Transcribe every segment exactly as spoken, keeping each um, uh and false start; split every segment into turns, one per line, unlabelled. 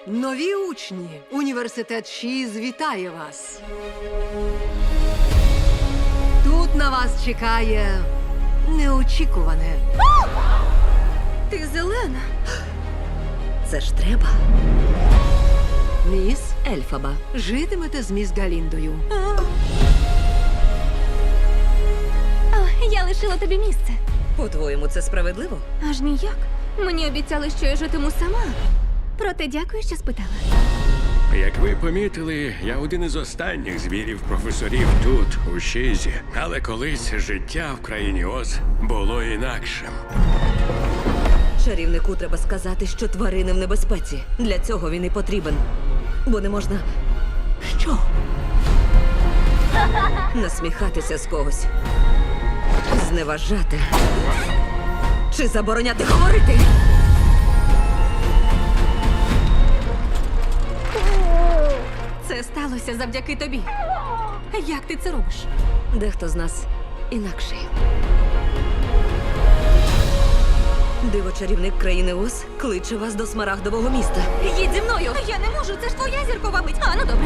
Нові учні. Університет Шіз вітає вас. Тут на вас чекає неочікуване.
Ти зелена.
Це ж треба.
Міс,
Ельфаба.
житимете з міс Галіндою.
О, я лишила тобі місце.
По-твоєму, це справедливо?
Аж ніяк. Мені обіцяли, що я житиму сама. Проте дякую, що спитала.
Як ви помітили, я один із останніх звірів професорів тут, у Шізі. Але колись життя в країні Оз було інакшим.
Чарівнику треба сказати, що тварини в небезпеці. Для цього він і потрібен. Бо не можна. Що? Насміхатися з когось. Зневажати. Чи забороняти говорити?
Це сталося завдяки тобі. Як ти це робиш?
Дехто з нас інакший. Диво-чарівник країни Оз кличе вас до смарагдового міста.
Їдь зі мною! Я не можу, це ж твоя зіркова мить. А, ну добре.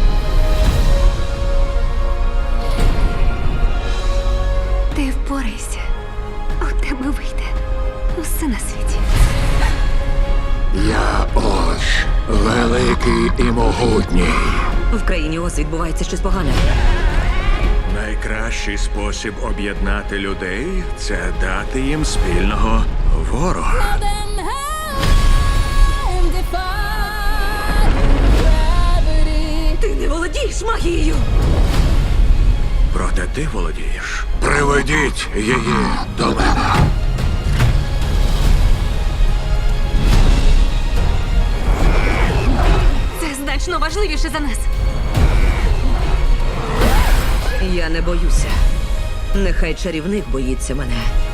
Ти впорайся. У тебе вийде усе на світі.
Я Оз, великий і могутній.
В країні Оз відбувається щось погане.
Найкращий спосіб об'єднати людей – це дати їм спільного ворога.
Ти не володієш магією!
Проте ти володієш. Приведіть її до мене.
Це значно важливіше за нас.
Я не боюся. Нехай чарівник боїться мене.